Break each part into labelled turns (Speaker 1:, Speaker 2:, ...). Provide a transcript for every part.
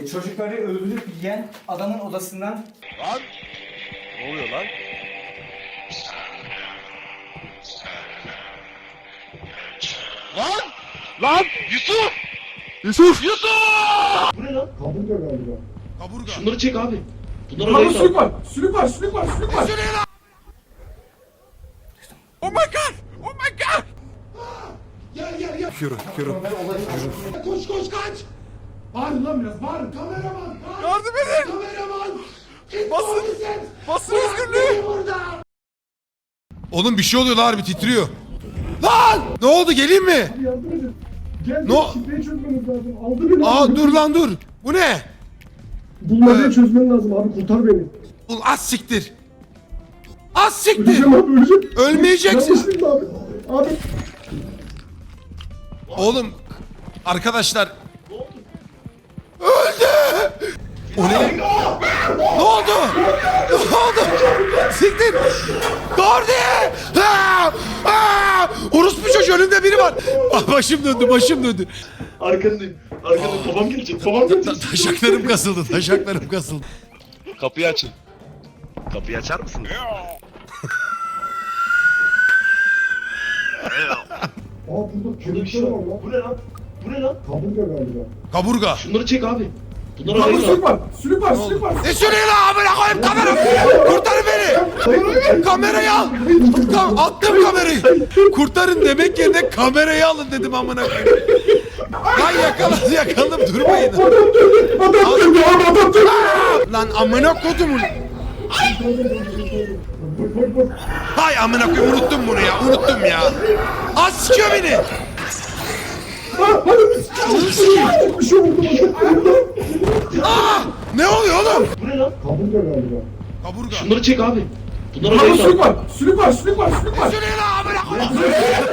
Speaker 1: Çocukları öldürüp yiyen adamın odasından...
Speaker 2: Lan! Ne oluyor lan? Lan! Lan! Yusuf!
Speaker 3: Yusuf!
Speaker 2: Yusuf!
Speaker 4: Bu ne lan?
Speaker 3: Kaburga galiba.
Speaker 5: Kaburga.
Speaker 4: Şunları çek abi. Bunları
Speaker 3: Lan
Speaker 4: arayın
Speaker 3: sülük
Speaker 4: abi.
Speaker 3: var. Sülük var. Sülük var. Sülük var.
Speaker 5: Oh my god! Oh my god!
Speaker 3: Gel gel gel.
Speaker 5: Yürü, yürü.
Speaker 3: Koş koş kaç. Bağırın lan biraz. Bağırın. Kameraman. Kaç.
Speaker 5: Yardım edin!
Speaker 3: Kameraman.
Speaker 5: Basın! Basın özgürlüğü!
Speaker 3: Burada.
Speaker 5: Oğlum bir şey oluyor lan, harbi titriyor. Lan! Ne oldu, geleyim mi?
Speaker 3: Yardım edin. Gel.
Speaker 5: No.
Speaker 3: Şifreyi çözmeniz lazım. Aldı beni.
Speaker 5: Aa dur lan dur. Bu ne?
Speaker 3: Bulmacayı çözmen lazım abi. Kurtar beni.
Speaker 5: Ulan az siktir. Az siktir.
Speaker 3: Öleceğim abi. Öleceğim.
Speaker 5: Ölmeyeceksin.
Speaker 3: Yanlışlıkla abi. Abi.
Speaker 5: Oğlum arkadaşlar. Öldü. O ne? Ne oldu? Ne oldu? Siktir. Gordi. Orospu çocuğu, önümde biri var. Ah, başım döndü, başım döndü.
Speaker 4: Arkandayım. Arkandayım. Babam gelecek. Babam gelecek.
Speaker 5: Taşaklarım kasıldı, taşaklarım kasıldı.
Speaker 2: Kapıyı açın. Kapıyı açar mısınız?
Speaker 3: Aa burada kelepçe var lan.
Speaker 4: Bu ne lan? Bu ne lan?
Speaker 3: Kaburga galiba.
Speaker 5: Kaburga.
Speaker 4: Şunları çek abi. Bunları
Speaker 3: Lan
Speaker 4: arayın
Speaker 3: sülük
Speaker 4: abi.
Speaker 3: var. Sülük var. Sülük var.
Speaker 5: Ne söylüyor lan, amına koyayım, kamera. Kurtarın beni. Kamerayı al. Attım kamerayı. Kurtarın demek yerine kamerayı alın dedim, amına koyayım. Lan yakaladım, durmayın.
Speaker 3: Adam döndü. Adam döndü. Abi adam döndü.
Speaker 5: Lan amına kodumun.
Speaker 3: Bak bak bak.
Speaker 5: Hay amına koyayım, unuttum bunu ya, unuttum ya. Az sikiyor beni.
Speaker 3: Bir şey oldu bana.
Speaker 5: Ne oluyor oğlum?
Speaker 4: Bu ne lan?
Speaker 3: Kaburga galiba.
Speaker 5: Kaburga.
Speaker 4: Şunları çek abi. Bunları
Speaker 3: Lan
Speaker 4: arayın
Speaker 3: sülük
Speaker 4: abi.
Speaker 3: var. Sülük var. Sülük var. Sülük var.
Speaker 5: Söylüyor lan, amına koyayım.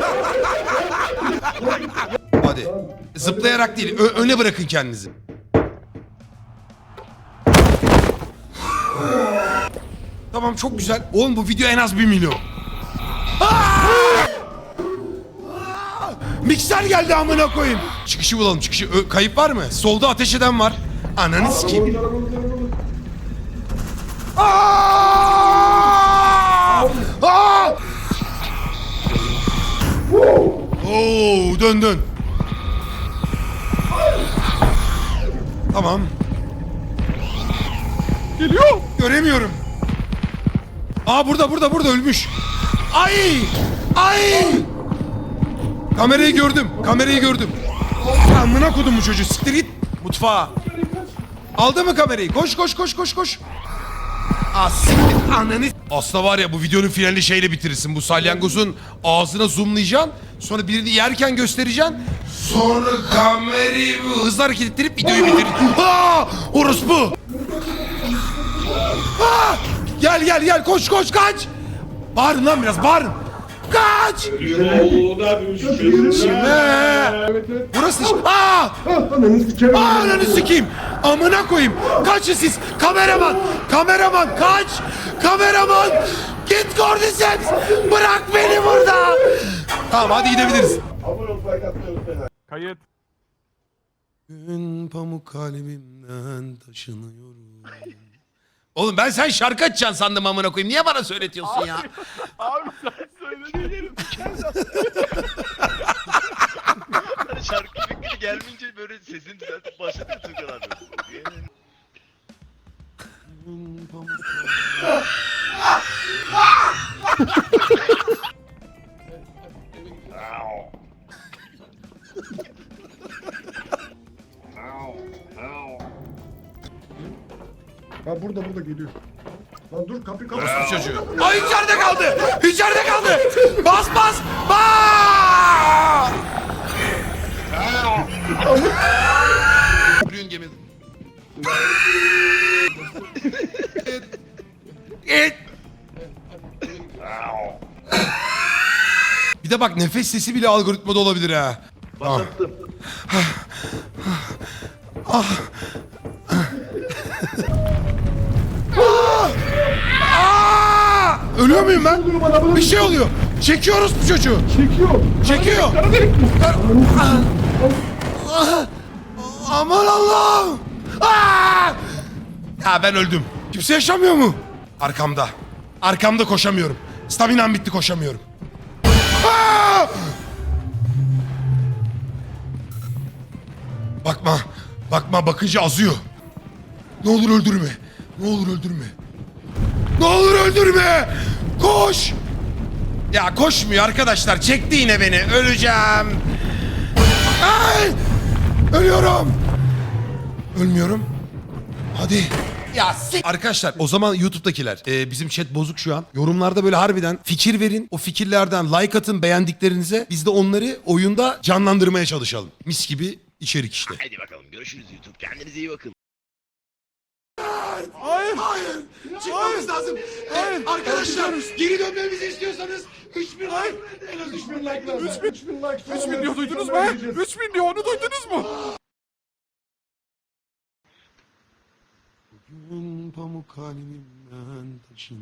Speaker 5: Hadi. Zıplayarak değil, öne bırakın kendinizi. Tamam, çok güzel. Oğlum bu video en az 1 milyon. Mikser geldi amına koyayım. Çıkışı bulalım, çıkışı. Kayıp var mı? Solda ateş eden var. Ananı sikeyim. Oo, dön. Tamam. Geliyor. Göremiyorum. Aa burada ölmüş. Ay! Kamerayı gördüm. Amına kodum bu çocuğu, siktir git mutfağa. Aldı mı kamerayı? Koş. Siktir ananı. Aslında var ya, bu videonun finalini şeyle bitirirsin. Bu salyangozun ağzına zoomlayacaksın. Sonra birini yerken göstereceksin. Sonra kamerayı hızlı hareket ettirip videoyu bitirir. Orospu. Gel koş kaç. Bağırın lan biraz, bağırın. Kaç. Burası. Ananı sikeyim. Amına koyayım. Kaçın siz. Kameraman kaç. Kameraman. Git Cordyceps. Bırak beni burada. Tamam, hadi gidebiliriz.
Speaker 6: Kayıt.
Speaker 5: Gün pamuk kalbimden taşınıyorum. Oğlum ben sen şarkı açacaksın sandım, amına koyayım. Niye bana söyletiyorsun ya?
Speaker 6: Abi sen söylediğin yerim
Speaker 2: Hani şarkı fikri gelmeyince böyle sesini düzeltip başladı ya Tuğkan abi.
Speaker 5: Gün pamuk
Speaker 3: Ha burada geliyor. Lan dur kapı.
Speaker 5: kalbim çocuğu. Ay içeride kaldı. Bas. Yürüyün gemide. Bir de bak, nefes sesi bile algoritmada olabilir ha.
Speaker 4: Başlattım.
Speaker 5: Ölüyor muyum ben? Bir şey oluyor. Çekiyoruz bu çocuğu. Çekiyor. Aman Allah'ım. Aa! Ya ben öldüm. Kimse yaşamıyor mu? Arkamda. Arkamda koşamıyorum. Staminam bitti, koşamıyorum. Aa! Bakma. Bakma, bakınca azıyor. Ne olur öldürme. Ne olur öldürme. Ne olur öldürme. Koş. Ya koşmuyor arkadaşlar. Çekti yine beni. Öleceğim. Ay! Ölüyorum. Ölmüyorum. Hadi. Ya arkadaşlar, o zaman YouTube'dakiler bizim chat bozuk şu an. Yorumlarda böyle harbiden fikir verin. O fikirlerden like atın beğendiklerinize. Biz de onları oyunda canlandırmaya çalışalım. Mis gibi içerik işte.
Speaker 2: Hadi bakalım görüşürüz YouTube. Kendinize iyi bakın.
Speaker 6: Hayır.
Speaker 3: Hayır. Çıkmamız lazım. Arkadaşlar geri dönmemizi istiyorsanız 3000 like. En az 3000 like lazım. 3000 like.
Speaker 6: 3000 diyor, duydunuz mu? 3000 diyor, onu duydunuz mu?
Speaker 5: Bugün pamuk halimden taşın.